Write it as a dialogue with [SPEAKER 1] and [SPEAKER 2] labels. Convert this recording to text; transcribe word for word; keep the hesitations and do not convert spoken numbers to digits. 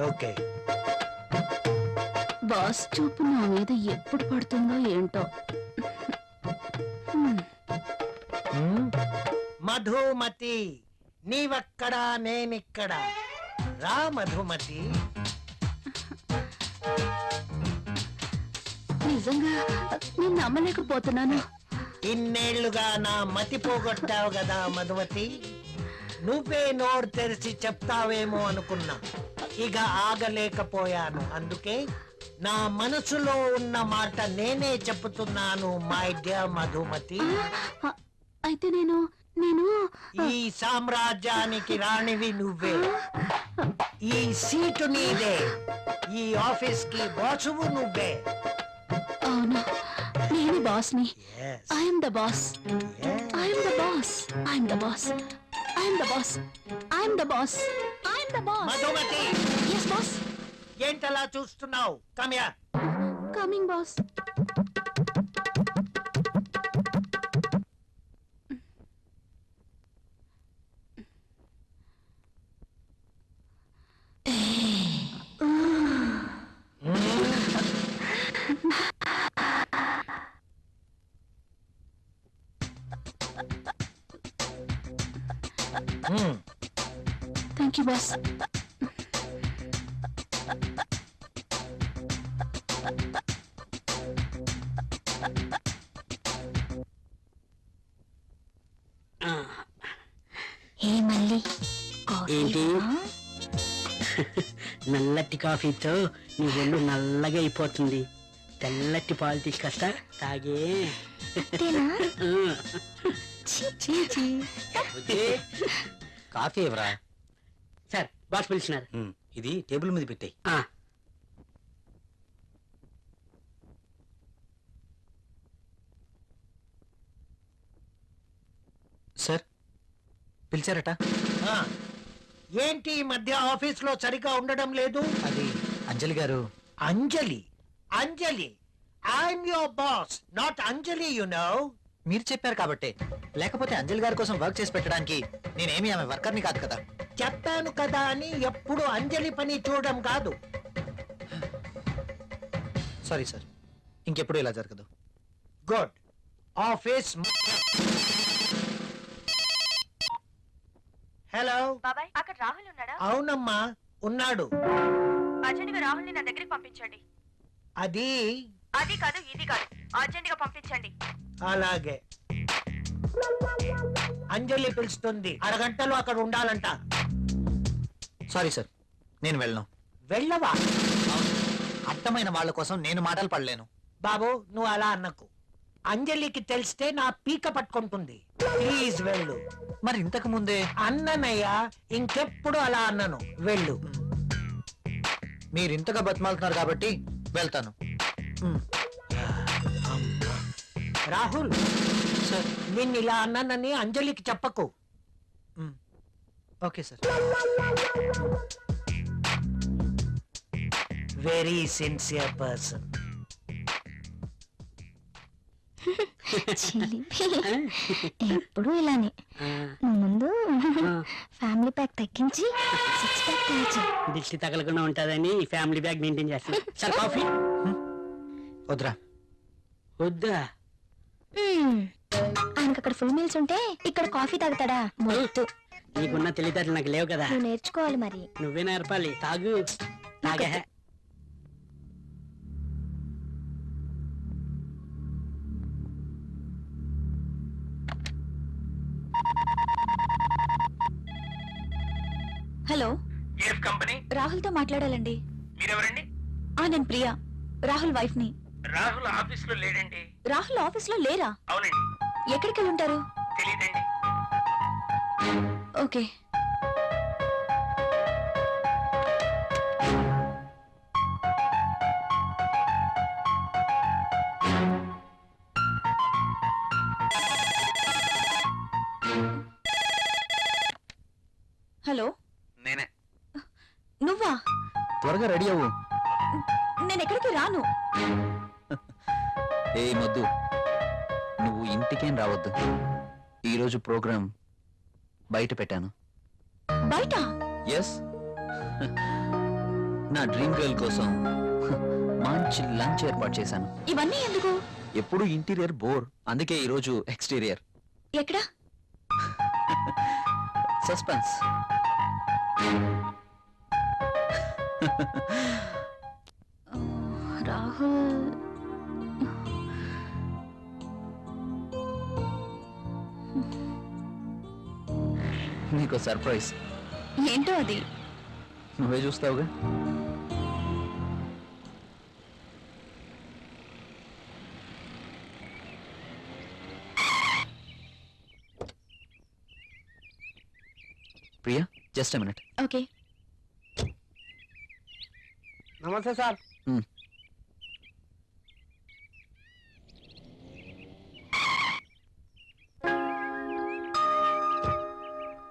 [SPEAKER 1] Okay.
[SPEAKER 2] Boss చూపు నా మీద ఎప్పుడు పడుతుందో ఏంటో.
[SPEAKER 1] మధుమతి, నీవక్కడా నేనిక్కడా. రా మధుమతి.
[SPEAKER 2] నిజంగా నేను నమ్మలేకపోతున్నాను.
[SPEAKER 1] ఇన్నేళ్లుగా నా మతి పోగొట్టావు కదా మధుమతి. నువ్వే నోరు తెరిచి చెప్తావేమో అనుకున్నా. ఇక ఆగలేకపోయాను. అందుకే నా మనసులో ఉన్న మాట నేనే చెప్తున్నాను మై డియర్ మధుమతి.
[SPEAKER 2] అయితే నేను నేను
[SPEAKER 1] ఈ సామ్రాజ్యానికి రాణివి నువ్వే. ఈ సీటు నీదే. ఈ ఆఫీస్ కి బాసువు నువ్వే.
[SPEAKER 2] అవును, నేను బాస్ని. I'm the boss. I'm the boss. I'm the boss. I'm the boss. I'm the boss. I'm the boss.
[SPEAKER 1] Madhumati.
[SPEAKER 2] yes boss.
[SPEAKER 1] ఏంటలా చూస్తున్నావు? Come here.
[SPEAKER 2] Coming boss. Thank you boss. ఏ మళ్ళీ
[SPEAKER 3] ఏంటి నల్లటి కాఫీతో నీ ఒళ్ళు నల్లగా అయిపోతుంది. తెల్లటి పాలు తీసుకొస్తా తాగే.
[SPEAKER 4] కాఫీ ఎవరా
[SPEAKER 3] సార్? బాస్ పిలిచినారు.
[SPEAKER 4] ఇది టేబుల్ మీద పెట్టాయి. సార్ పిలిచారట.
[SPEAKER 1] ఏంటి ఈ మధ్య ఆఫీస్ లో సరిగా ఉండడం లేదు?
[SPEAKER 4] అది అంజలి గారు.
[SPEAKER 1] అంజలి? అంజలి, I'm your boss, not Anjali, you know.
[SPEAKER 4] మీరు చెప్పారు కాబట్టి, లేకపోతే అంజలి గారి కోసం వర్క్ చేసి పెట్టడానికి నేనేమి ఆమె వర్కర్ని కాదు కదా.
[SPEAKER 1] చెప్పాను కదా అని ఎప్పుడు అంజలి పని చూడడం కాదు.
[SPEAKER 4] సారీ సార్, ఇంకెప్పుడు ఇలా జరగదు.
[SPEAKER 1] గుడ్. ఆఫీస్. హలో
[SPEAKER 5] బాబాయ్, అక్కడ రాహుల్ ఉన్నాడా?
[SPEAKER 1] అవునమ్మా, ఉన్నాడు.
[SPEAKER 5] అర్జెంట్ గా రాహుల్ ని నా దగ్గరికి పంపించండి.
[SPEAKER 1] అది
[SPEAKER 5] అది కాదు ఇది కాదు, అర్జెంట్ గా పంపించండి.
[SPEAKER 1] అలాగే. అంజలి పిలుస్తుంది, అరగంటలో అక్కడ ఉండాలంట.
[SPEAKER 4] సారీ సార్, నేను వెళ్ళను.
[SPEAKER 1] వెళ్ళవా?
[SPEAKER 4] అర్థమైన వాళ్ళ కోసం నేను మాటలు పడలేను.
[SPEAKER 1] బాబు, నువ్వు అలా అన్నకు. అంజలికి తెలిస్తే నా పీక పట్టుకుంటుంది. ప్లీజ్ వెళ్ళు.
[SPEAKER 4] మరి ఇంతకు ముందే
[SPEAKER 1] అన్ననయ్యా, ఇంకెప్పుడు అలా అన్నను. వెళ్ళు.
[SPEAKER 4] మీరు ఇంతగా బతిమాలుతున్నారు కాబట్టి వెళ్తాను.
[SPEAKER 1] రాహుల్
[SPEAKER 4] సార్,
[SPEAKER 1] నిన్ను ఇలా అన్నానని అంజలికి చెప్పకు.
[SPEAKER 4] Okay sir.
[SPEAKER 1] Very sincere person.
[SPEAKER 2] ఎప్పుడు ఇలానే. ముందు ఫ్యామిలీ ప్యాక్ తగ్గించి సిక్స్ ప్యాక్ తగ్గించి
[SPEAKER 3] దిష్టి తగలకుండా ఉంటుందని ఫ్యామిలీ బ్యాగ్ మెయింటైన్ చేస్తాను. Sir coffee?
[SPEAKER 4] వద్దురా.
[SPEAKER 3] వద్దా?
[SPEAKER 2] ఆయనకు అక్కడ ఫుల్ మీల్స్ ఉంటే ఇక్కడ కాఫీ తాగుతాడా? మొద్దు.
[SPEAKER 3] నీకున్న తెలివితేటలు నాకు లేవు కదా.
[SPEAKER 2] నువ్వు నేర్చుకోవాలి మరి.
[SPEAKER 3] నువ్వే నేర్పాలి. తాగు. తాగే.
[SPEAKER 2] Hello,
[SPEAKER 6] company?
[SPEAKER 2] రాహుల్ తో మాట్లాడాలండి.
[SPEAKER 6] మీరెవరండి?
[SPEAKER 2] ఆ నేను ప్రియా, రాహుల్ వైఫ్ ని.
[SPEAKER 6] రాహుల్ ఆఫీస్ లో లేడండి.
[SPEAKER 2] రాహుల్ ఆఫీస్ లో లేరా?
[SPEAKER 6] అవునండి.
[SPEAKER 2] ఎక్కడికి వెళ్ళి ఉంటారు?
[SPEAKER 6] తెలీదండి.
[SPEAKER 2] ఓకే. హలో,
[SPEAKER 6] నేనే.
[SPEAKER 2] నువ్వా?
[SPEAKER 4] త్వరగా రెడీ అవ్వు.
[SPEAKER 2] నేను ఎక్కడికి రాను.
[SPEAKER 4] ఏ మొద్దు, నువ్వు ఇంటికేం రావద్దు. ఈరోజు ప్రోగ్రాం బయట పెట్టాను.
[SPEAKER 2] బయట?
[SPEAKER 4] ఎస్. నా డ్రీమ్ గర్ల్ కోసం మంచి లంచ్ ఏర్పాటు చేశాను.
[SPEAKER 2] ఇవన్నీ ఎందుకు?
[SPEAKER 4] ఎప్పుడు ఇంటీరియర్ బోర్, అందుకే ఈరోజు ఎక్స్టీరియర్.
[SPEAKER 2] ఎక్కడ?
[SPEAKER 4] సస్పెన్స్.
[SPEAKER 2] రాహుల్
[SPEAKER 4] నీకు సర్ప్రైజ్.
[SPEAKER 2] ఏంటో అది?
[SPEAKER 4] నువ్వే చూస్తావుగా. Priya, just minute.
[SPEAKER 2] ఓకే.
[SPEAKER 1] నమస్తే సార్.